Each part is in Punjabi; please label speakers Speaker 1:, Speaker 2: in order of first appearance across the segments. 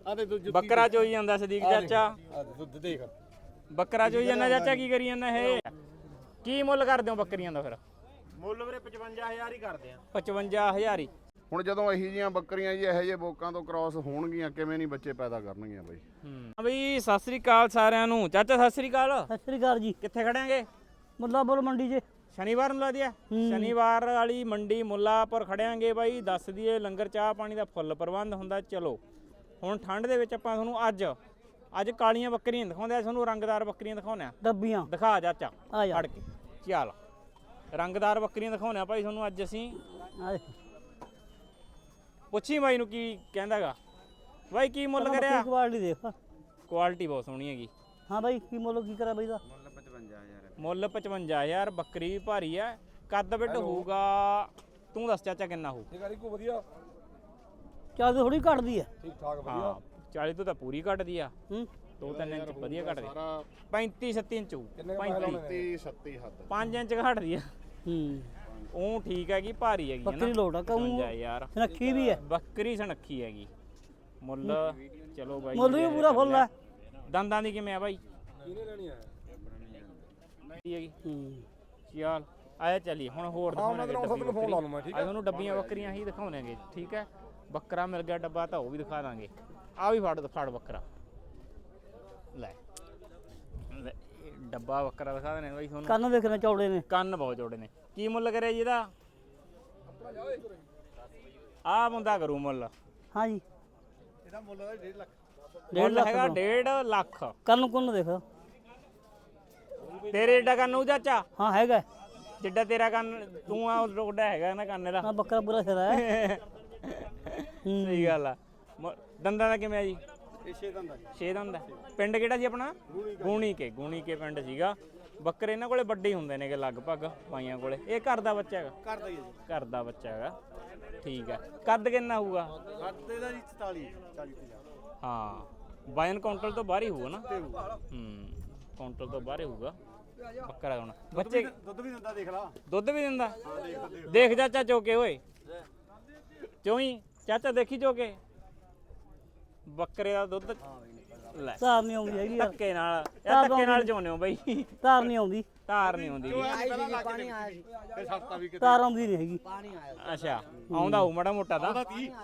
Speaker 1: ਬੱਕਰਾ ਚੋਈ ਜਾਂਦਾ ਸਦੀਕ ਚਾਚਾ।
Speaker 2: ਦੁੱਧ ਦੇਖ
Speaker 1: ਬੱਕਰਾ ਚੋਈ ਜਾਂਦਾ ਚਾਚਾ, ਕੀ ਕਰੀ ਜਾਂਦਾ ਇਹ? ਕੀ ਮੁੱਲ ਕਰਦੇ ਹੋ ਬੱਕਰੀਆਂ ਦਾ ਫਿਰ?
Speaker 2: ਮੁੱਲ ਵੀਰੇ 55000 ਹੀ ਕਰਦੇ ਆ।
Speaker 1: 55000 ਹੀ।
Speaker 3: ਹੁਣ ਜਦੋਂ ਇਹੀ ਜੀਆਂ ਬੱਕਰੀਆਂ ਜੀ ਇਹੋ ਜਿਹੇ ਬੋਕਾਂ ਤੋਂ ਕ੍ਰਾਸ ਹੋਣਗੀਆਂ ਕਿਵੇਂ ਨਹੀਂ ਬੱਚੇ ਪੈਦਾ ਕਰਨਗੀਆਂ ਬਾਈ।
Speaker 1: ਬਈ ਸਤਿ ਸ੍ਰੀ ਅਕਾਲ ਸਾਰਿਆਂ ਨੂੰ। ਚਾਚਾ ਸਤਿ ਸ੍ਰੀ ਅਕਾਲ।
Speaker 4: ਸਤਿ ਸ੍ਰੀ ਅਕਾਲ ਜੀ।
Speaker 1: ਕਿੱਥੇ ਖੜਾਂਗੇ?
Speaker 4: ਮੁੱਲਾਂਪੁਰ ਮੰਡੀ 'ਚ।
Speaker 1: ਸ਼ਨੀਵਾਰ ਨੂੰ ਲਾ ਦਿਆ। ਸ਼ਨੀਵਾਰ ਵਾਲੀ ਮੰਡੀ ਮੁੱਲਾਂਪੁਰ ਖੜਿਆਂਗੇ ਬਾਈ। ਦੱਸ ਦਈਏ ਲੰਗਰ ਚਾਹ ਪਾਣੀ ਦਾ ਫੁੱਲ ਪ੍ਰਬੰਧ ਹੁੰਦਾ। ਚਲੋ ਹੁਣ ਠੰਡ ਦੇ ਵਿੱਚ ਆਪਾਂ ਤੁਹਾਨੂੰ ਅੱਜ ਕਾਲੀਆਂ ਬੱਕਰੀਆਂ ਦਿਖਾਉਂਦੇ ਆ, ਤੁਹਾਨੂੰ ਰੰਗਦਾਰ ਬੱਕਰੀਆਂ ਦਿਖਾਉਂਦੇ ਆ।
Speaker 4: ਡੱਬੀਆਂ
Speaker 1: ਦਿਖਾ ਚਾਚਾ
Speaker 4: ਆ ਜਾ
Speaker 1: ਫੜ ਕੇ। ਚੱਲ ਰੰਗਦਾਰ ਬੱਕਰੀਆਂ ਦਿਖਾਉਂਦੇ ਆ ਭਾਈ ਤੁਹਾਨੂੰ ਅੱਜ ਅਸੀਂ। ਪੁੱਛੀ ਬਾਈ ਨੂੰ ਕੀ ਕਹਿੰਦਾਗਾ। ਬਾਈ ਕੀ ਮੁੱਲ ਕਰਿਆ?
Speaker 4: ਕੁਆਲਿਟੀ ਦੇਖ।
Speaker 1: ਕੁਆਲਿਟੀ ਬਹੁਤ ਸੋਹਣੀ ਹੈਗੀ।
Speaker 4: ਹਾਂ ਬਾਈ ਕੀ ਮੁੱਲ ਕੀ ਕਰਿਆ ਬਾਈ ਦਾ?
Speaker 1: ਮੁੱਲ 55000। ਬੱਕਰੀ ਵੀ ਭਾਰੀ ਹੈ। ਕੱਦ ਬਿੱਡ ਹੋਊਗਾ, ਤੂੰ ਦੱਸ ਚਾਚਾ ਕਿੰਨਾ ਹੋਊ?
Speaker 2: ਕੋ ਵਧੀਆ
Speaker 4: ਚੱਲ ਥੋੜੀ ਘਟਦੀ ਹੈ।
Speaker 2: ਠੀਕ ਠਾਕ
Speaker 1: ਹਾਂ 40 ਤੋਂ ਤਾਂ ਪੂਰੀ ਘਟਦੀ ਆ।
Speaker 4: ਹੂੰ
Speaker 1: 2-3 ਇੰਚ ਵਧੀਆ ਘਟਦੀ। 35-37 ਇੰਚ ਹੋਊ। 35
Speaker 3: 37 ਹੱਦ
Speaker 1: 5 ਇੰਚ ਘਟਦੀ ਆ।
Speaker 4: ਹੂੰ
Speaker 1: ਉਹ ਠੀਕ ਹੈਗੀ, ਭਾਰੀ ਹੈਗੀ
Speaker 4: ਬੱਕਰੀ ਲੋਟ ਆ ਕਹੂੰ
Speaker 1: ਯਾਰ।
Speaker 4: ਸਨੱਖੀ ਵੀ ਹੈ।
Speaker 1: ਬੱਕਰੀ ਸਨੱਖੀ ਹੈਗੀ। ਮੁੱਲ ਚਲੋ ਬਾਈ
Speaker 4: ਮੁੱਲ ਵੀ ਪੂਰਾ ਫੁੱਲ ਹੈ।
Speaker 1: ਦੰਦਾਂ ਦੀ ਕਿਵੇਂ ਆ ਬਾਈ?
Speaker 2: ਕਿਹਨੇ ਲੈਣੀ ਆ?
Speaker 1: ਹੈਗੀ।
Speaker 4: ਹੂੰ
Speaker 1: ਚੱਲ ਆਇਆ ਚੱਲੀ ਹੁਣ ਹੋਰ ਦਿਖਾਉਣਾਂਗੇ।
Speaker 2: ਫੋਨ ਲਾ ਲੂ ਮੈਂ। ਠੀਕ
Speaker 1: ਆ ਤੁਹਾਨੂੰ ਡੱਬੀਆਂ ਬੱਕਰੀਆਂ ਹੀ ਦਿਖਾਉਣਾਂਗੇ। ਠੀਕ ਹੈ, ਬੱਕਰਾ ਮਿਲ ਗਿਆ ਡੱਬਾ ਤਾਂ ਉਹ ਵੀ ਦਿਖਾ ਦਾਂਗੇ। ਆ ਵੀ ਫੜ ਬੱਕਰਾ ਲੈ ਡੱਬਾ ਬੱਕਰਾ ਦਿਖਾ ਦੇਣੇ ਬਾਈ ਤੁਹਾਨੂੰ।
Speaker 4: ਕੰਨ ਵੇਖਣੇ ਚੌੜੇ ਨੇ।
Speaker 1: ਕੰਨ ਬਹੁਤ ਚੌੜੇ ਨੇ। ਕੀ ਮੁੱਲ ਕਰਿਆ ਜੀ ਇਹਦਾ? ਆ ਬੰਦਾ ਕਰੂ ਮੁੱਲ।
Speaker 4: ਹਾਂ ਜੀ
Speaker 2: ਇਹਦਾ ਮੁੱਲ ਦਾ 1.5 ਲੱਖ।
Speaker 1: ਮੁੱਲ ਹੈਗਾ 1.5 ਲੱਖ।
Speaker 4: ਕੰਨ ਕੁੰਨ ਦੇਖ।
Speaker 1: ਤੇਰੇ ਏਡਾ ਕੰਨ ਉਹ ਚਾਚਾ?
Speaker 4: ਹਾਂ ਹੈਗਾ।
Speaker 1: ਜਿੱਡਾ ਤੇਰਾ ਕੰਨ ਤੂੰ ਆ ਰੋਡਾ ਹੈਗਾ ਨਾ ਕੰਨ ਦਾ।
Speaker 4: ਹਾਂ ਬੱਕਰਾ ਪੂਰਾ ਸਿਰਾ ਹੈ।
Speaker 1: ਸਹੀ ਗੱਲ ਆ। ਦੰਦਾਂ ਦਾ ਕਿਵੇਂ ਆ ਜੀ?
Speaker 2: ਇਹ 6 ਦੰਦ
Speaker 1: 6 ਦੰਦ। ਪਿੰਡ ਕਿਹੜਾ ਸੀ ਆਪਣਾ? ਗੂਣੀ ਕੇ ਪਿੰਡ ਸੀਗਾ। ਬੱਕਰੇ ਇਹਨਾਂ ਕੋਲੇ ਵੱਡੇ ਹੀ ਹੁੰਦੇ ਨੇਗੇ ਲਗਭਗ ਬਾਈਆਂ ਕੋਲੇ। ਇਹ ਘਰ ਦਾ ਬੱਚਾ ਹੈਗਾ?
Speaker 2: ਘਰ ਦਾ ਹੀ ਹੈ ਜੀ।
Speaker 1: ਘਰ ਦਾ ਬੱਚਾ ਹੈਗਾ। ਠੀਕ ਹੈ। ਕੱਦ ਕਿੰਨਾ ਹੋਊਗਾ?
Speaker 2: ਕੱਦ ਇਹਦਾ ਜੀ 40
Speaker 1: ਹਾਂ ਬਾਇਨ ਕਾਉਂਟਰ ਤੋਂ ਬਾਹਰ ਹੀ ਹੋਊਗਾ ਨਾ। ਕਾਉਂਟਰ ਤੋਂ ਬਾਹਰ ਹੀ ਹੋਊਗਾ ਬੱਕਰਾ। ਹੁਣ ਬੱਚੇ
Speaker 2: ਦੁੱਧ ਵੀ ਦਿੰਦਾ ਦੇਖ ਲਾ।
Speaker 1: ਦੁੱਧ ਵੀ ਦਿੰਦਾ? ਦੇਖ ਚਾਚਾ ਚੋਕੇ ਓਏ। ਚੋਈ ਚਾਚਾ ਦੇਖੀ ਚੋਕੇ ਬੱਕਰੇ ਦਾ ਦੁੱਧ। ਲੈ
Speaker 4: ਧਾਰ ਨਹੀਂ ਆਉਂਦੀ ਹੈਗੀ ਯਾਰ।
Speaker 1: ਧੱਕੇ ਨਾਲ ਚੋਨੇ ਹੋ ਬਈ।
Speaker 4: ਧਾਰ ਨਹੀਂ ਆਉਂਦੀ।
Speaker 1: ਧਾਰ ਨਹੀਂ ਆਉਂਦੀ।
Speaker 2: ਪਾਣੀ ਆਇਆ ਸੀ ਤੇ ਸੱਤਾ ਵੀ
Speaker 4: ਧਾਰ ਆਉਂਦੀ ਨਹੀਂ ਹੈਗੀ।
Speaker 1: ਅੱਛਾ ਆਉਂਦਾ ਹੋਊ ਮਾੜਾ ਮੋਟਾ ਤਾਂ।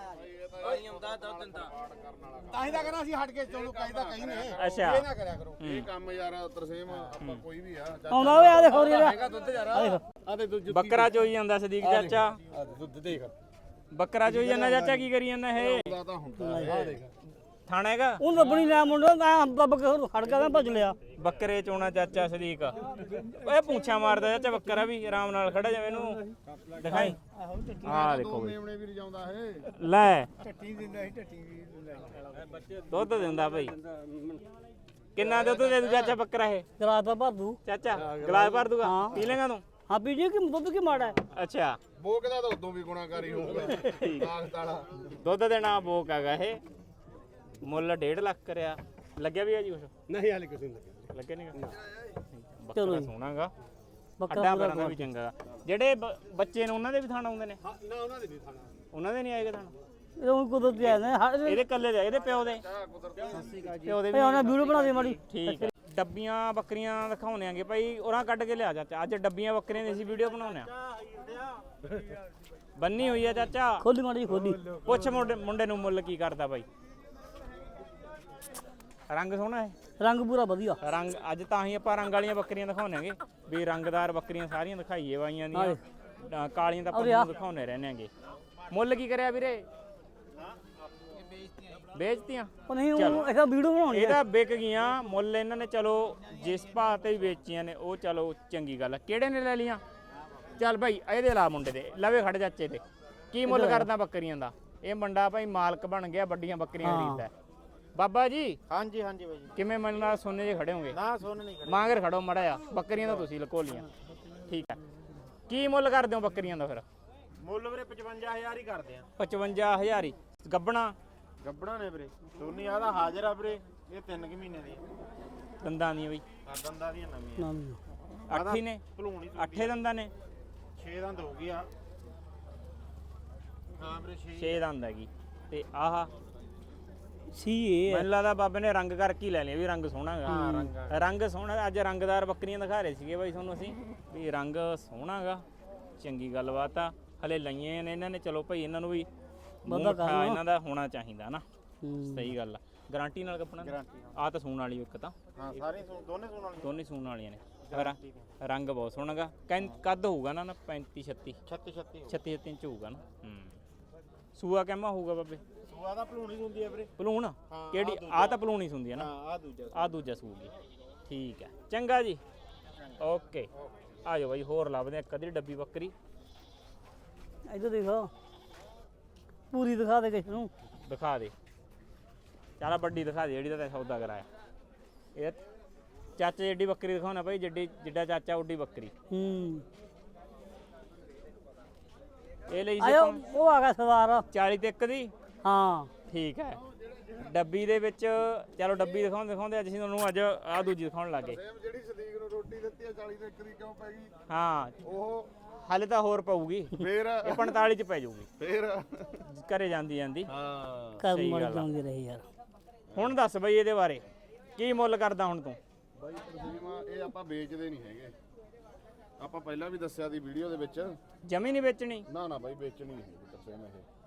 Speaker 2: ਤਾਂ ਹੀ ਤਾਂ ਕਹਿੰਦਾ ਅਸੀਂ ਹਟ ਕੇ ਚੋਣੂ ਕਹਿੰਦਾ ਕਹੀ ਨੇ।
Speaker 1: ਅੱਛਾ
Speaker 2: ਇਹ ਨਾ ਕਰਿਆ ਕਰੋ।
Speaker 3: ਇਹ ਕੰਮ ਯਾਰ ਤਰਸੇਮ ਆਪਾਂ ਕੋਈ ਵੀ ਆ
Speaker 4: ਆਉਂਦਾ ਓਏ ਆ ਦੇਖੋ ਰੇ
Speaker 2: ਹੈਗਾ ਦੁੱਧ ਯਾਰ। ਆ ਦੇ ਦੁੱਧ
Speaker 1: ਬੱਕਰਾ ਚੋਈ ਜਾਂਦਾ ਸਦੀਕ ਚਾਚਾ।
Speaker 2: ਆ ਦੁੱਧ ਦੇਖ।
Speaker 1: ਬੱਕਰਾ ਚੋਈ ਜਾਂਦਾ ਚਾਚਾ, ਕੀ ਕਰੀ ਜਾਂਦਾ ਇਹ?
Speaker 3: ਦਾ ਤਾਂ ਹੁੰਦਾ
Speaker 2: ਆ ਦੇਖ।
Speaker 1: ਥਾਣਾ ਹੈਗਾ?
Speaker 4: ਉਹ ਲੱਭਣੀ ਲੈ ਮੁੰਡਾ ਮੈਂ ਦੱਬ ਕੇ ਹੜ ਗਿਆ ਭੱਜ ਲਿਆ।
Speaker 1: ਬੱਕਰੇ ਚੋਣਾ ਚਾਚਾ ਸਦੀਕ। ਓਏ ਪੁੱਛਾ ਮਾਰਦਾ ਚਾਚਾ ਬੱਕਰਾ ਵੀ ਆਰਾਮ ਨਾਲ ਖੜਾ ਜਾਵੇ। ਇਹਨੂੰ ਦਿਖਾਈ। ਆਹ ਦੇਖੋ ਬਈ
Speaker 3: ਮੇਮਣੇ ਵੀ ਰਜਾਉਂਦਾ ਇਹ।
Speaker 1: ਲੈ
Speaker 2: ਟੱਟੀ ਦਿੰਦਾ ਸੀ ਟੱਟੀ ਵੀ ਦਿੰਦਾ।
Speaker 1: ਦੁੱਧ ਦਿੰਦਾ ਬਈ। ਕਿੰਨਾ ਦੁੱਧ ਦੇ ਦੂ ਚਾਚਾ ਬੱਕਰਾ ਇਹ?
Speaker 4: ਗਲਾਸ ਤਾਂ ਭਰ ਦੂ
Speaker 1: ਚਾਚਾ ਗਲਾਸ ਭਰ ਦੂਗਾ? ਪੀ ਲੇਗਾ ਤੂੰ?
Speaker 4: ਹਾਂ ਪੀ ਜੀ ਕਿ ਦੁੱਧ ਕੀ ਮਾੜਾ ਹੈ।
Speaker 1: ਅੱਛਾ
Speaker 3: ਬੋਕ ਦਾ ਤਾਂ ਉਦੋਂ ਵੀ ਗੁਣਾਕਾਰੀ ਹੋਊਗਾ। ਤਾਕਤ ਵਾਲਾ
Speaker 1: ਦੁੱਧ ਦੇ ਨਾਂ ਬੋਕ ਹੈਗਾ ਇਹ। ਮੁੱਲ 1.5 ਲੱਖ ਕਰਿਆ। ਲੱਗਿਆ ਵੀ ਆ ਜੀ ਕੁਛ?
Speaker 2: ਨਹੀਂ ਹਾਲੇ ਕਿਸੇ ਨੂੰ ਲੱਗਿਆ।
Speaker 1: ਲੱਗੇ ਨਹੀਂਗਾ। ਬੱਕਰਾ ਸੋਹਣਾਗਾ।
Speaker 4: ਬੱਕਰਾ
Speaker 1: ਅੱਡਾ ਬਰਾਂ ਦਾ ਵੀ ਚੰਗਾ। ਜਿਹੜੇ ਬੱਚੇ ਨੇ ਉਹਨਾਂ ਦੇ ਵੀ ਥਾਣਾ ਆਉਂਦੇ ਨੇ?
Speaker 2: ਹਾਂ ਨਾ ਉਹਨਾਂ ਦੇ ਨਹੀਂ ਖਾਣਾ।
Speaker 1: ਉਹਨਾਂ ਦੇ ਨਹੀਂ ਆਏਗਾ ਥਾਣਾ?
Speaker 4: ਇਹ ਕੁਦਰਤੀ ਆਏ ਨੇ।
Speaker 1: ਇਹਦੇ ਕੱਲੇ ਦੇ? ਇਹਦੇ ਪਿਓ ਦੇ? ਪਿਓ ਦੇ ਵੀ?
Speaker 4: ਉਹਨਾਂ ਵੀਡੀਓ ਬਣਾ ਦੇ ਮਾੜੀ।
Speaker 1: ਠੀਕ ਹੈ। ਡੱਬੀਆਂ ਬੱਕਰੀਆਂ ਦਿਖਾਉਣੇ ਆਂਗੇ ਭਾਈ। ਉਹਨਾਂ ਕੱਢ ਕੇ ਲਿਆ ਚਾਚਾ। ਅੱਜ ਡੱਬੀਆਂ ਬੱਕਰੀਆਂ ਦੀ ਅਸੀਂ ਵੀਡੀਓ ਬਣਾਉਣੇ ਆ। ਬੰਨੀ ਹੋਈ ਆ ਚਾਚਾ।
Speaker 4: ਖੋਲੀ ਮਾੜੀ ਖੋਲੀ।
Speaker 1: ਪੁੱਛ ਮੁੰਡੇ ਨੂੰ ਮੁੱਲ ਕੀ ਕਰਦਾ ਬਾਈ? ਰੰਗ ਸੋਹਣਾ ਹੈ।
Speaker 4: ਰੰਗ ਪੂਰਾ ਵਧੀਆ।
Speaker 1: ਰੰਗ ਅੱਜ ਤਾਂ ਹੀ ਆਪਾਂ ਰੰਗ ਵਾਲੀਆਂ ਬੱਕਰੀਆਂ ਦਿਖਾਉਣੇਗੇ ਵੀ ਰੰਗਦਾਰ ਬੱਕਰੀਆਂ ਸਾਰੀਆਂ ਦਿਖਾਈਏ ਬਾਈਆਂ ਦੀਆਂ। ਕਾਲੀਆਂ ਤਾਂ ਆਪਾਂ ਦਿਖਾਉਣੇ ਰਹਿੰਦੇ ਆਂਗੇ। ਮੁੱਲ ਕੀ ਕਰਿਆ ਵੀਰੇ? ਵੇਚਤੀਆਂ?
Speaker 4: ਉਹ ਨਹੀਂ ਉਹ ਇਹਦਾ ਵੀਡੀਓ ਬਣਾਉਣੀ ਹੈ।
Speaker 1: ਇਹਦਾ ਵਿਕ ਗਈਆਂ। ਮੁੱਲ ਇਹਨਾਂ ਨੇ ਚਲੋ ਜਿਸ ਭਾਅ ਤੇ ਵੀ ਵੇਚੀਆਂ ਨੇ ਉਹ ਚਲੋ ਚੰਗੀ ਗੱਲ। ਕਿਹੜੇ ਨੇ ਲੈ ਲੀਆਂ? ਚੱਲ ਭਾਈ ਇਹਦੇ ਲਾ ਮੁੰਡੇ ਦੇ ਲਵੇ ਖੜ ਚਾਚੇ ਤੇ। ਕੀ ਮੁੱਲ ਕਰਦਾ ਬੱਕਰੀਆਂ ਦਾ? ਇਹ ਮੁੰਡਾ ਭਾਈ ਮਾਲਕ ਬਣ ਗਿਆ, ਵੱਡੀਆਂ ਬੱਕਰੀਆਂ ਖਰੀਦਦਾ। ਬਾਬਾ ਜੀ
Speaker 2: ਹਾਂਜੀ ਹਾਂਜੀ ਬਾਈ ਜੀ।
Speaker 1: ਕਿਵੇਂ ਮੇਰੇ ਨਾਲ ਸੋਨੇ ਜੇ ਖੜੇ ਹੋਗੇ?
Speaker 2: ਨਾ ਸੋਨ ਨਹੀਂ ਖੜੇ।
Speaker 1: ਮਾਂਗਰ ਖੜੋ ਮੜਾ ਆ। ਬੱਕਰੀਆਂ ਤਾਂ ਤੁਸੀਂ ਲਕੋ ਲੀਆਂ। ਠੀਕ ਹੈ। ਕੀ ਮੁੱਲ ਕਰਦੇ ਹੋ ਬੱਕਰੀਆਂ ਦਾ ਫਿਰ?
Speaker 2: ਮੁੱਲ ਵੀਰੇ 55000 ਹੀ ਕਰਦੇ ਆ।
Speaker 1: 55000 ਹੀ। ਗੱਬਣਾ?
Speaker 2: ਗੱਬੜਾ ਨੇ ਵੀਰੇ ਦੋਨੀ ਆਦਾ ਹਾਜ਼ਰ ਆ ਵੀਰੇ। ਇਹ 3 ਮਹੀਨੇ ਦੀ
Speaker 1: ਦੰਦਾਂ ਦੀਆਂ ਬਈ?
Speaker 2: ਆ ਦੰਦਾਂ ਦੀਆਂ ਨਵੀਆਂ।
Speaker 4: ਨਾ
Speaker 1: 8 ਹੀ ਨੇ?
Speaker 2: ਭਲੂਣੀ
Speaker 1: 8 ਦੰਦਾਂ ਨੇ?
Speaker 2: 6 ਦੰਦ ਹੋ ਗਈ ਆ। ਹਾਂ ਵੀਰੇ
Speaker 1: 6 ਦੰਦ ਹੈਗੀ। ਤੇ ਆਹ
Speaker 4: ਸੀ ਇਹ
Speaker 1: ਮੈਨੂੰ ਲੱਗਦਾ ਬਾਬੇ ਨੇ ਰੰਗ ਕਰਕੇ ਹੀ ਲੈ ਲਿਆ ਵੀ ਰੰਗ ਸੋਹਣਾ ਗਾ।
Speaker 2: ਰੰਗ
Speaker 1: ਰੰਗ ਸੋਹਣਾ। ਅੱਜ ਰੰਗਦਾਰ ਬੱਕਰੀਆਂ ਦਿਖਾ ਰਹੇ ਸੀਗੇ ਬਾਈ ਤੁਹਾਨੂੰ ਅਸੀਂ ਵੀ ਰੰਗ ਸੋਹਣਾ ਗਾ। ਚੰਗੀ ਗੱਲਬਾਤ ਆ। ਹਲੇ ਲਈਆਂ ਨੇ ਇਹਨਾਂ ਨੇ, ਚਲੋ ਭਾਈ ਇਹਨਾਂ ਨੂੰ ਵੀ
Speaker 4: ਬੰਦਾ
Speaker 1: ਮਿੱਠਾ ਇਹਨਾਂ ਦਾ ਹੋਣਾ ਚਾਹੀਦਾ ਨਾ।
Speaker 4: ਹੂੰ।
Speaker 1: ਸਹੀ ਗੱਲ ਆ। ਗਾਰੰਟੀ ਨਾਲ ਕੱਪਣਾ
Speaker 2: ਗਾਰੰਟੀ
Speaker 1: ਆ ਤਾਂ ਸੂਣ ਵਾਲੀ ਇੱਕ ਤਾਂ
Speaker 2: ਹਾਂ ਸਾਰੇ ਦੋਨੇ ਸੁਣ ਵਾਲੀ
Speaker 1: ਦੋਨੇ ਸੂਣ ਵਾਲੀਆਂ ਨੇ। ਰੰਗ ਬਹੁਤ ਸੋਹਣਾ ਗਾ। ਕੱਦ ਹੋਊਗਾ ਨਾ 35 36
Speaker 2: 36
Speaker 1: 36 ਇੰਚ ਹੋਊਗਾ ਨਾ। ਸੂਆ ਕਹਿਮਾ ਹੋਊਗਾ ਬਾਬੇ?
Speaker 2: ਸੂਆ ਦਾ ਭਲੂਣੀ ਹੁੰਦੀ ਹੈ ਵੀਰੇ।
Speaker 1: ਪਲੂਣ ਕਿਹੜੀ? ਆ ਤਾਂ ਪਲੂਣੀ ਹੁੰਦੀ ਹੈ ਨਾ।
Speaker 2: ਹਾਂ
Speaker 1: ਆ ਦੂਜਾ ਸੂਗੀ। ਠੀਕ ਹੈ ਚੰਗਾ ਜੀ। ਓਕੇ ਆ ਜਾਓ ਬਾਈ, ਹੋਰ ਲੱਭਦੇ ਇੱਕ ਅੱਧੀ ਡੱਬੀ ਬੱਕਰੀ।
Speaker 4: ਇੱਧਰ ਦੇਖੋ ਪੂਰੀ ਦਿਖਾ ਦੇ ਕਿਸ ਨੂੰ।
Speaker 1: ਦਿਖਾ ਦੇ ਚੱਲ ਵੱਡੀ ਦਿਖਾ ਦੇ ਜਿਹੜੀ ਦਾ ਤੈਂ ਸੌਦਾ ਕਰਾਇਆ। ਇਹ ਚਾਚੇ ਜਿੱਡੀ ਬੱਕਰੀ ਦਿਖਾਉਣਾ ਭਾਈ, ਜਿੱਡਾ ਚਾਚਾ ਉੱਡੀ ਬੱਕਰੀ।
Speaker 4: ਹੂੰ
Speaker 1: ਇਹ ਲਈ ਸੀ
Speaker 4: ਆਇਓ
Speaker 1: ਆਪਾਂ
Speaker 4: ਉਹ ਆ ਗਿਆ ਸਵਾਰ
Speaker 1: 40 ਤੇ 1 ਦੀ।
Speaker 4: ਹਾਂ
Speaker 1: ਠੀਕ ਹੈ। ਡੱਬੀ ਦੇ ਵਿੱਚ ਚਲੋ ਡੱਬੀ ਦਿਖਾਉਂਦੇ ਅੱਜ ਅਸੀਂ ਤੁਹਾਨੂੰ ਅੱਜ ਆ ਦੂਜੀ ਦਿਖਾਉਣ ਲੱਗੇ।
Speaker 3: ਜਿਹੜੀ ਸਦੀਕ ਨੂੰ ਰੋਟੀ ਦਿੱਤੀ ਆ 40 ਦੇ 1 ਦੀ ਕਿਉਂ ਪੈ ਗਈ?
Speaker 1: ਹਾਂ
Speaker 3: ਉਹ
Speaker 1: ਹਾਲੇ ਤਾਂ ਹੋਰ ਪਊਗੀ।
Speaker 3: ਫੇਰ
Speaker 1: ਇਹ 45 ਚ ਪੈ ਜਾਊਗੀ
Speaker 3: ਫੇਰ
Speaker 1: ਘਰੇ ਜਾਂਦੀ
Speaker 3: ਹਾਂ
Speaker 4: ਕਰ
Speaker 1: ਸਹੀ
Speaker 4: ਮਰ
Speaker 1: ਗੱਲ ਆ।
Speaker 4: ਜਾਂਦੇ ਰਹੇ ਯਾਰ।
Speaker 1: ਹੁਣ ਦੱਸ ਬਈ ਇਹਦੇ ਬਾਰੇ ਕੀ ਮੁੱਲ ਕਰਦਾ ਹੁਣ ਤੂੰ?
Speaker 3: ਬਾਈ ਤਰਸੀਮਾ ਇਹ ਆਪਾਂ ਵੇਚਦੇ ਨਹੀਂ ਹੈਗੇ। ਆਪਾਂ ਪਹਿਲਾਂ ਵੀ ਦੱਸਿਆ ਦੀ ਵੀਡੀਓ ਦੇ ਵਿੱਚ।
Speaker 1: ਜਮੀ ਨਹੀਂ ਵੇਚਣੀ?
Speaker 3: ਨਾ ਬਾਈ ਵੇਚਣੀ ਨਹੀਂ ਹੈਗੀ ਤਰਸੀਮਾ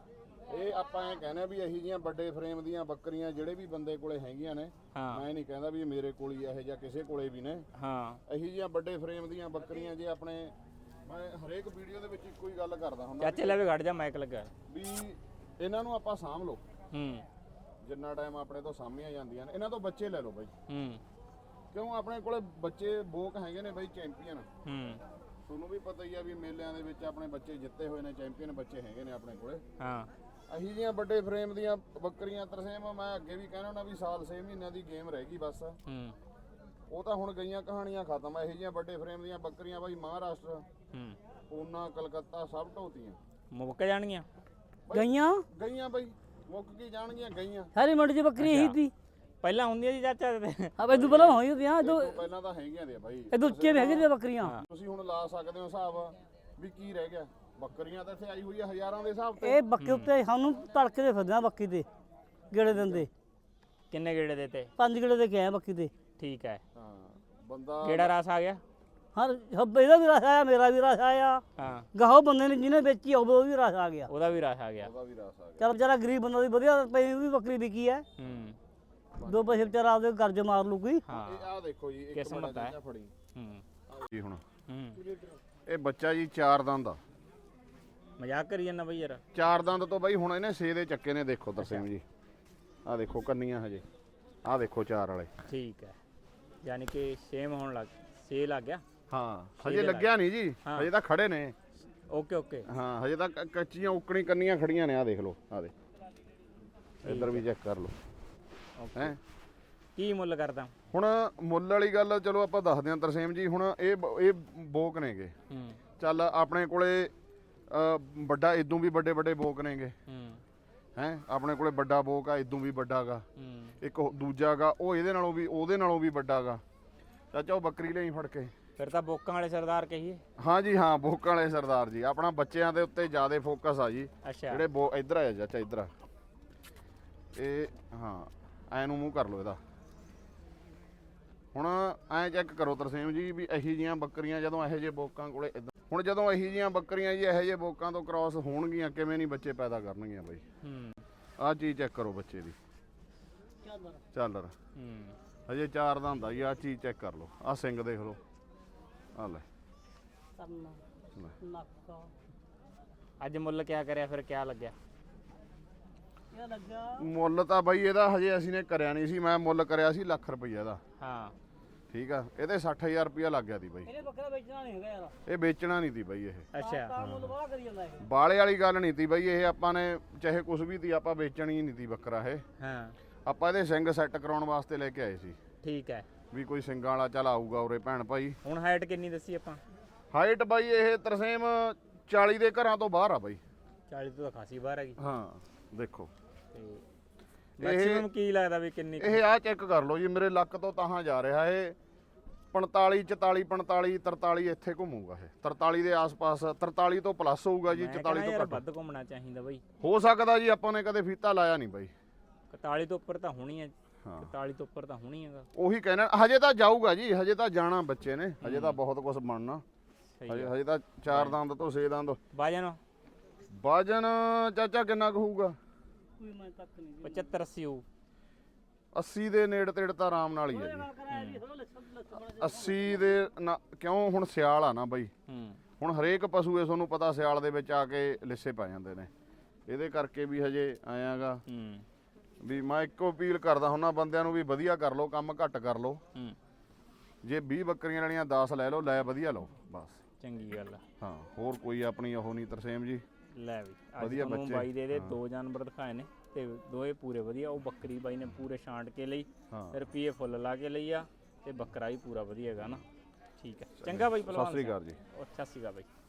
Speaker 3: ਇਹ ਆਪਾਂ ਐ ਕਹਿੰਦੇ ਆ ਵੀ ਇਹੀ ਜੀਆਂ ਵੱਡੇ ਫਰੇਮ ਦੀਆਂ ਬੱਕਰੀਆਂ ਜਿਹੜੇ ਵੀ ਬੰਦੇ ਕੋਲੇ ਹੈਗੀਆਂ ਨੇ,
Speaker 1: ਹਾਂ
Speaker 3: ਮੈਂ ਨਹੀਂ ਕਹਿੰਦਾ ਵੀ ਮੇਰੇ ਕੋਲ ਹੀ ਇਹ ਜਾਂ ਕਿਸੇ ਕੋਲੇ ਵੀ ਨੇ।
Speaker 1: ਹਾਂ
Speaker 3: ਇਹੀ ਜੀਆਂ ਵੱਡੇ ਫਰੇਮ ਦੀਆਂ ਬੱਕਰੀਆਂ ਜੇ ਆਪਣੇ, ਮੈਂ ਹਰੇਕ ਵੀਡੀਓ ਦੇ ਵਿੱਚ ਇੱਕੋ ਹੀ ਗੱਲ ਕਰਦਾ ਹੁੰਦਾ
Speaker 1: ਚਾਚੇ ਲੈ ਵੀ ਖੜ ਜਾ, ਮਾਈਕ ਲੱਗਾ।
Speaker 3: ਵੀ ਇਹਨਾਂ ਨੂੰ ਆਪਾਂ ਸਾਂਭ ਲਓ।
Speaker 1: ਹੂੰ
Speaker 3: ਜਿੰਨਾ ਟਾਈਮ ਆਪਣੇ ਤੋਂ ਸਾਂਭੀਆਂ ਜਾਂਦੀਆਂ ਨੇ, ਇਹਨਾਂ ਤੋਂ ਬੱਚੇ ਲੈ ਲਓ ਬਾਈ।
Speaker 1: ਹੂੰ
Speaker 3: ਕਿਉਂ ਆਪਣੇ ਕੋਲੇ ਬੱਚੇ ਬੋਕ ਹੈਗੇ ਨੇ ਬਾਈ, ਚੈਂਪੀਅਨ।
Speaker 1: ਹੂੰ
Speaker 3: ਤੁਹਾਨੂੰ ਵੀ ਪਤਾ ਹੀ ਆ ਵੀ ਮੇਲਿਆਂ ਦੇ ਵਿੱਚ ਆਪਣੇ ਬੱਚੇ ਜਿੱਤੇ ਹੋਏ ਨੇ, ਚੈਂਪੀਅਨ ਬੱਚੇ ਹੈਗੇ ਨੇ ਆਪਣੇ ਕੋਲੇ।
Speaker 1: ਹਾਂ
Speaker 3: ਅਹੀ ਜੀਆਂ ਵੱਡੇ ਫਰੇਮ ਦੀਆਂ ਬੱਕਰੀਆਂ ਤਰਸੇਮ, ਮੈਂ ਅੱਗੇ ਵੀ ਕਹਿਣਾ ਹੁੰਦਾ ਵੀ ਸਾਲ 6 ਮਹੀਨਿਆਂ ਦੀ ਗੇਮ ਰਹਿ ਗਈ ਬਸ।
Speaker 1: ਹੂੰ
Speaker 3: ਉਹ ਤਾਂ ਹੁਣ ਗਈਆਂ ਕਹਾਣੀਆਂ ਖਤਮ। ਇਹੋ ਜਿਹੀਆਂ ਵੱਡੇ ਫਰੇਮ ਦੀਆਂ ਬੱਕਰੀਆਂ ਬਾਈ ਮਹਾਰਾਸ਼ਟਰ,
Speaker 1: ਹੂੰ
Speaker 3: ਪੂਨਾ, ਕਲਕੱਤਾ ਸਭ ਢੋਤੀਆਂ
Speaker 1: ਮੁੱਕ ਜਾਣਗੀਆਂ।
Speaker 4: ਗਈਆਂ
Speaker 3: ਗਈਆਂ ਬਾਈ, ਮੁੱਕ ਕੀ ਜਾਣਗੀਆਂ ਗਈਆਂ।
Speaker 4: ਸਾਰੀ ਮੰਡੀ 'ਚ ਬੱਕਰੀ ਇਹੀ ਸੀ।
Speaker 1: ਪਹਿਲਾਂ ਹੁੰਦੀਆਂ ਜੀ ਚਾਚਾ ਤੇ?
Speaker 4: ਆ ਬਈ ਤੂੰ ਪਹਿਲਾਂ ਹੋਈ ਹੁੰਦੀਆਂ
Speaker 3: ਇਹ ਤੋਂ ਪਹਿਲਾਂ ਤਾਂ ਹੈਗੀਆਂ ਦੇ ਬਾਈ।
Speaker 4: ਇਹ ਉੱਚੇ ਵੀ ਹੈਗੇ ਨੇ ਬੱਕਰੀਆਂ।
Speaker 3: ਤੁਸੀਂ ਹੁਣ ਲਾ ਸਕਦੇ ਹੋ ਹਿਸਾਬ ਵੀ ਕੀ ਰਹਿ ਗਿਆ। ਬੱਕਰੀਆਂ ਤਾਂ ਇੱਥੇ ਆਈ ਹੋਈ ਆ ਹਜ਼ਾਰਾਂ ਦੇ ਹਿਸਾਬ ਤੇ।
Speaker 4: ਇਹ ਬੱਕੇ ਉੱਤੇ ਸਾਨੂੰ ਤੜਕੇ ਦੇ ਫਿਰਦੇ ਆ ਬੱਕੀ ਤੇ ਗੇੜੇ ਦਿੰਦੇ।
Speaker 1: ਕਿੰਨੇ ਗੇੜੇ ਦੇਤੇ?
Speaker 4: 5 ਗੇੜੇ ਦੇ ਕੇ ਆਏ ਬੱਕੀ ਤੇ।
Speaker 1: ਠੀਕ ਹੈ।
Speaker 3: ਹਾਂ ਬੰਦਾ
Speaker 1: ਕਿਹੜਾ ਰਾਸ ਆ ਗਿਆ?
Speaker 4: ਹਰ ਇਹਦਾ ਵੀ ਰਸ ਆਇਆ, ਮੇਰਾ ਵੀ ਰਸ ਆਇਆ।
Speaker 1: ਹਾਂ
Speaker 4: ਗਾਹੋ ਬੰਦੇ ਨੇ ਜਿਹਨੇ ਵੇਚੀ ਉਹ ਵੀ ਰਸ ਆ ਗਿਆ।
Speaker 1: ਉਹਦਾ ਵੀ ਰਾਸ ਆ ਗਿਆ।
Speaker 3: ਉਹਦਾ ਵੀ ਰਸ ਆ ਗਿਆ।
Speaker 4: ਚੱਲ ਵਿਚਾਰਾ ਗਰੀਬ ਬੰਦਾ ਦੀ ਵਧੀਆ ਪਈ ਵੀ ਬੱਕਰੀ ਵਿਕੀ ਹੈ।
Speaker 1: ਹੂੰ
Speaker 4: 2 ਪੈਸੇ ਵਿਚਾਰਾ ਆਪਦੇ ਕਰਜ਼ ਮਾਰ ਲੂ ਕੋਈ।
Speaker 1: ਹਾਂ
Speaker 3: ਇਹ ਆਹ ਦੇਖੋ ਜੀ, ਇੱਕ
Speaker 1: ਕਿਸਮਤ ਹੈ।
Speaker 3: ਫੜੀ
Speaker 1: ਹੂੰ
Speaker 3: ਜੀ ਹੁਣ
Speaker 1: ਹੂੰ
Speaker 3: ਇਹ ਬੱਚਾ ਜੀ 4 ਦੰਦ ਆ।
Speaker 1: ਮਜ਼ਾਕ ਕਰੀ ਜਾਂਦਾ ਬਈ ਯਾਰ।
Speaker 3: 4 ਦੰਦ ਤੋਂ ਬਾਈ ਹੁਣ ਇਹਨੇ 6 ਦੇ ਚੱਕੇ ਨੇ। ਦੇਖੋ ਤਰਸੇਮ ਜੀ, ਆਹ ਦੇਖੋ ਕੰਨੀਆਂ ਹਜੇ, ਆਹ ਦੇਖੋ 4 ਵਾਲੇ।
Speaker 1: ਠੀਕ ਹੈ, ਯਾਨੀ ਕਿ ਸੇਮ ਹੋਣ ਲੱਗ ਗਿਆ।
Speaker 3: ਹਾਂ
Speaker 1: ਛੇ
Speaker 3: ਹਜੇ
Speaker 1: ਦੇ
Speaker 3: ਲੱਗਿਆ ਨਹੀਂ ਜੀ,
Speaker 1: ਹਾਂ।
Speaker 3: ਹਜੇ ਤਾਂ ਖੜੇ ਨੇ।
Speaker 1: ਓਕੇ ਓਕੇ
Speaker 3: ਹਾਂ ਹਜੇ ਤਾਂ ਕੱਚੀਆਂ ਉਕਣੀ ਕੰਨੀਆਂ ਖੜੀਆਂ ਨੇ। ਆਹ ਦੇਖ ਲਓ, ਆਹ ਦੇ ਇੱਧਰ ਵੀ ਚੈੱਕ ਕਰ ਲਓ ਹੈ।
Speaker 1: ਕੀ ਮੁੱਲ ਕਰਦਾ
Speaker 3: ਹੁਣ ਮੁੱਲ ਵਾਲੀ ਗੱਲ ਚਲੋ ਆਪਾਂ ਦੱਸਦੇ ਹਾਂ ਤਰਸੇਮ ਜੀ। ਹੁਣ ਇਹ ਬੋਕ ਨੇਗੇ।
Speaker 1: ਹੂੰ
Speaker 3: ਚੱਲ ਆਪਣੇ ਕੋਲੇ ਵੱਡਾ ਇਦੋਂ ਵੀ ਵੱਡੇ ਵੱਡੇ ਬੋਕ ਨੇਗੇ
Speaker 1: ਹੂੰ
Speaker 3: ਹੈ। ਆਪਣੇ ਕੋਲੇ ਵੱਡਾ ਬੋਕ ਆ, ਇਦੋਂ ਵੀ ਵੱਡਾ ਗਾ।
Speaker 1: ਹੂੰ
Speaker 3: ਇੱਕ ਦੂਜਾ ਗਾ, ਉਹ ਇਹਦੇ ਨਾਲੋਂ ਵੀ ਉਹਦੇ ਨਾਲੋਂ ਵੀ ਵੱਡਾ ਗਾ। ਚਾਚਾ ਉਹ ਬੱਕਰੀ ਲਈ ਫੜ ਕੇ।
Speaker 1: ਫਿਰ ਤਾਂ ਬੋਕਾਂ ਵਾਲੇ ਸਰਦਾਰ ਕਹੀਏ।
Speaker 3: ਹਾਂ ਜੀ ਹਾਂ, ਬੋਕਾਂ ਵਾਲੇ ਸਰਦਾਰ ਜੀ। ਆਪਣਾ ਬੱਚਿਆਂ ਦੇ ਉੱਤੇ ਜ਼ਿਆਦਾ ਫੋਕਸ ਆ ਜੀ।
Speaker 1: ਅੱਛਾ
Speaker 3: ਜਿਹੜੇ ਇੱਧਰ ਆ ਚਾਚਾ, ਇੱਧਰ ਆ ਇਹ। ਹਾਂ ਐ ਨੂੰ ਮੂੰਹ ਕਰ ਲਓ ਇਹਦਾ। ਹੁਣ ਐ ਚੈੱਕ ਕਰੋ ਤਰਸੇਮ ਜੀ ਵੀ ਇਹੀ ਜੀਆਂ ਬੱਕਰੀਆਂ ਜਦੋਂ ਇਹੋ ਜਿਹੇ ਬੋਕਾਂ ਕੋਲੇ ਹੁਣ ਜਦੋਂ ਇਹੀ ਜੀਆਂ ਬੱਕਰੀਆਂ ਜੀ ਇਹੋ ਜਿਹੇ ਬੋਕਾਂ ਤੋਂ ਕ੍ਰਾਸ ਹੋਣਗੀਆਂ, ਕਿਵੇਂ ਨਹੀਂ ਬੱਚੇ ਪੈਦਾ ਕਰਨਗੀਆਂ ਬਾਈ।
Speaker 1: ਹੂੰ
Speaker 3: ਆਹ ਚੀਜ਼ ਚੈੱਕ ਕਰੋ ਬੱਚੇ ਦੀ। ਚੱਲ
Speaker 1: ਹੂੰ
Speaker 3: ਹਜੇ 4 ਦਾ ਹੁੰਦਾ ਜੀ। ਆਹ ਚੀਜ਼ ਚੈੱਕ ਕਰ ਲਓ, ਆਹ ਸਿੰਗ ਦੇਖ ਲਓ, ਆਹ ਲੈ।
Speaker 1: ਅੱਜ ਮੁੱਲ ਕਿਆ ਕਰਿਆ ਫਿਰ, ਕਿਆ ਲੱਗਿਆ?
Speaker 3: ਮੁੱਲ ਤਾਂ ਬਾਈ ਇਹਦਾ ਹਜੇ ਅਸੀਂ ਨੇ ਕਰਿਆ ਨਹੀਂ ਸੀ। ਮੈਂ ਮੁੱਲ ਕਰਿਆ ਸੀ ਲੱਖ ਰੁਪਈਆ ਦਾ।
Speaker 1: ਹਾਂ
Speaker 3: ਠੀਕ ਆ, ਇਹਦੇ 60000 ਰੁਪਈਆ ਲੱਗ ਗਿਆ ਦੀ ਬਾਈ।
Speaker 4: ਇਹਨੇ ਬੱਕਰਾ ਵੇਚਣਾ ਨਹੀਂ ਹੈਗਾ ਯਾਰ।
Speaker 3: ਇਹ ਵੇਚਣਾ ਨਹੀਂ ਤੀ ਬਾਈ। ਇਹ
Speaker 1: ਅੱਛਾ
Speaker 4: ਤਾਂ ਮੁੱਲ ਬਾਹਲਾ ਕਰੀ ਜਾਂਦਾ ਇਹ।
Speaker 3: ਬਾਲੇ ਵਾਲੀ ਗੱਲ ਨਹੀਂ ਤੀ ਬਾਈ। ਇਹ ਆਪਾਂ ਨੇ ਚਾਹੇ ਕੁਝ ਵੀ ਤੀ, ਆਪਾਂ ਵੇਚਣੀ ਨਹੀਂ ਤੀ ਬੱਕਰਾ ਇਹ।
Speaker 1: ਹਾਂ
Speaker 3: ਆਪਾਂ ਇਹਦੇ ਸਿੰਗ ਸੈੱਟ ਕਰਾਉਣ ਵਾਸਤੇ ਲੈ ਕੇ ਆਏ ਸੀ
Speaker 1: ਠੀਕ ਹੈ।
Speaker 3: ਵੀ ਕੋਈ ਸਿੰਗਾਂ ਵਾਲਾ ਚੱਲ ਆਊਗਾ ਉਰੇ ਭੈਣ ਭਾਈ।
Speaker 1: ਹੁਣ ਹਾਈਟ ਕਿੰਨੀ ਦੱਸੀ ਆਪਾਂ?
Speaker 3: ਹਾਈਟ ਬਾਈ ਇਹ ਤਰਸੇਮ 40 ਦੇ ਘਰਾਂ ਤੋਂ ਬਾਹਰ ਆ ਬਾਈ।
Speaker 1: 40 ਤੋਂ ਤਾਂ ਖਾਸੀ ਬਾਹਰ ਹੈਗੀ।
Speaker 3: ਹਾਂ ਦੇਖੋ
Speaker 1: ਤੇ ਮੈਕਸਿਮਮ ਕੀ ਲੱਗਦਾ ਵੀ ਕਿੰਨੀ
Speaker 3: ਇਹ ਆਹ ਚੈੱਕ ਕਰ ਲਓ ਜੀ, ਮੇਰੇ ਲੱਕ ਤੋਂ ਤਾਹਾਂ ਜਾ ਰਿਹਾ ਇਹ 45 44 45 43 ਇੱਥੇ ਘੁੰਮੂਗਾ ਇਹ। 43 ਦੇ ਆਸ-ਪਾਸ, 43 ਤੋਂ ਪਲੱਸ ਹੋਊਗਾ ਜੀ। 44 ਤੋਂ
Speaker 1: ਯਾਰ
Speaker 3: ਘੱਟ
Speaker 1: ਵੱਧ ਘੁੰਮਣਾ ਚਾਹੀਦਾ ਬਾਈ।
Speaker 3: ਹੋ ਸਕਦਾ ਜੀ। ਆਪਾਂ ਨੇ ਕਦੇ ਫੀਤਾ ਲਾਇਆ ਨਹੀਂ ਬਾਈ।
Speaker 1: 41 ਤੋਂ ਉੱਪਰ ਤਾਂ ਹੋਣੀ ਹੈ।
Speaker 3: ਹਾਂ
Speaker 1: 41 ਤੋਂ ਉੱਪਰ ਤਾਂ ਹੋਣੀ ਹੈਗਾ।
Speaker 3: ਉਹੀ ਕਹਿਣਾ ਹਜੇ ਤਾਂ ਜਾਊਗਾ ਜੀ, ਹਜੇ ਤਾਂ ਜਾਣਾ ਬੱਚੇ ਨੇ, ਹਜੇ ਤਾਂ ਬਹੁਤ ਕੁਝ ਬਣਨਾ।
Speaker 1: ਸਹੀ
Speaker 3: ਹਜੇ
Speaker 1: ਆ।
Speaker 3: ਹਜੇ ਤਾਂ 4 ਦੰਦ ਤੋਂ 6 ਦੰਦ।
Speaker 1: ਵਜਨ
Speaker 3: ਚਾਚਾ ਕਿੰਨਾ ਕੁ ਹੋਊਗਾ?
Speaker 4: ਕੋਈ ਮੈਂ ਤੱਕ ਨਹੀਂ
Speaker 1: 75 80 ਹੋਊ।
Speaker 3: 80 ਦੇ ਨੇੜੇ ਤੇੜੇ ਤਾਂ ਆਰਾਮ ਨਾਲ ਹੀ ਹੈ ਜੀ। 80 ਦੇ ਕਿਉਂ ਹੁਣ ਸਿਆਲ ਆ ਨਾ ਬਈ, ਹੁਣ ਹਰੇਕ ਪਸ਼ੂ ਇਹ ਤੁਹਾਨੂੰ ਪਤਾ ਸਿਆਲ ਦੇ ਵਿੱਚ ਆ ਕੇ ਲਿੱਸੇ ਪੈ ਜਾਂਦੇ ਨੇ, ਇਹਦੇ ਕਰਕੇ ਵੀ ਹਜੇ ਆਇਆਗਾ ਵੀ ਮੈਂ ਇੱਕੋ ਅਪੀਲ ਕਰਦਾ ਹੁੰਦਾ ਬੰਦਿਆਂ ਨੂੰ ਵੀ ਵਧੀਆ ਕਰ ਲਓ, ਕੰਮ ਘੱਟ ਕਰ ਲਓ। ਜੇ 20 ਬੱਕਰੀਆਂ ਲੈਣੀਆਂ 10 ਲੈ ਲਓ, ਲੈ ਵਧੀਆ ਲਓ ਬਸ।
Speaker 1: ਚੰਗੀ ਗੱਲ ਆ।
Speaker 3: ਹਾਂ ਹੋਰ ਕੋਈ ਆਪਣੀ ਉਹ ਨਹੀਂ ਤਰਸੇਮ ਜੀ।
Speaker 1: ਲੈ ਵੀ ਅੱਜ
Speaker 3: ਵਧੀਆ
Speaker 1: ਤੁਹਾਨੂੰ
Speaker 3: ਬੱਚੇ।
Speaker 1: ਬਾਈ ਦੇ ਇਹਦੇ 2 ਜਾਨਵਰ ਦਿਖਾਏ ਨੇ ਤੇ ਦੋਏ ਪੂਰੇ ਵਧੀਆ। ਉਹ ਬੱਕਰੀ ਬਾਈ ਨੇ ਪੂਰੇ ਛਾਂਟ ਕੇ ਲਈ, ਰੁਪਈਏ ਫੁੱਲ ਲਾ ਕੇ ਲਈ ਆ, ਤੇ ਬੱਕਰਾ ਵੀ ਪੂਰਾ ਵਧੀਆ ਹੈਗਾ ਨਾ। ਠੀਕ ਹੈ, ਚੰਗਾ ਬਾਈ
Speaker 3: ਸਤਿ
Speaker 1: ਪਹਿਲਵਾਨ
Speaker 3: ਸ੍ਰੀ ਅਕਾਲ ਜੀ।
Speaker 1: ਸਤਿ ਸ਼੍ਰੀ ਅਕਾਲ ਬਾਈ।